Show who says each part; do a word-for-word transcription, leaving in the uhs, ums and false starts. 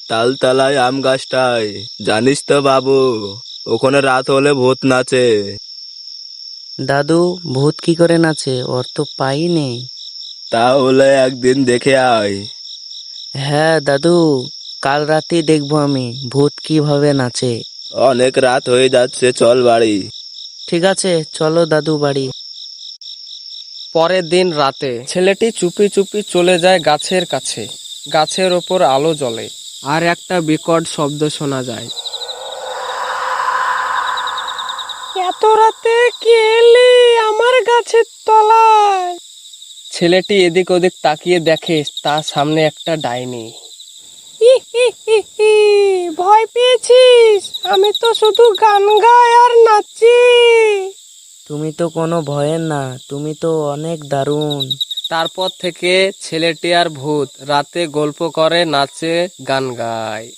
Speaker 1: তালতলায় আম গাছটায়। জানিস তো বাবু, ওখানে রাত হলে ভূত নাচে।
Speaker 2: দাদু, ভূত কি করে নাচে? ওর তো পাই নেই।
Speaker 1: তাহলে একদিন দেখে আয়।
Speaker 2: হ্যাঁ দাদু, কাল রাতেই দেখবো আমি ভূত কিভাবে নাচে।
Speaker 1: অনেক রাত হয়ে যাচ্ছে, চল বাড়ি।
Speaker 2: ঠিক আছে, চলো দাদু বাড়ি।
Speaker 3: পরের দিন রাতে ছেলেটি চুপি চুপি চলে যায় গাছের কাছে। গাছের ওপর আলো জ্বলে আর একটা বিকট শব্দ শোনা যায়। এত রাতে কে এলি আমার গাছের তলায়? ছেলেটি এদিক ওদিক তাকিয়ে দেখে তার সামনে একটা ডাইনি। ভয় পেয়েছিস? আমি তো শুধু গান গাই আর নাচি।
Speaker 2: তুমি তো কোনো ভয়ের না, তুমি তো অনেক দারুণ।
Speaker 3: তারপর থেকে ছেলেটি আর ভূত রাতে গল্প করে, নাচে, গান গায়।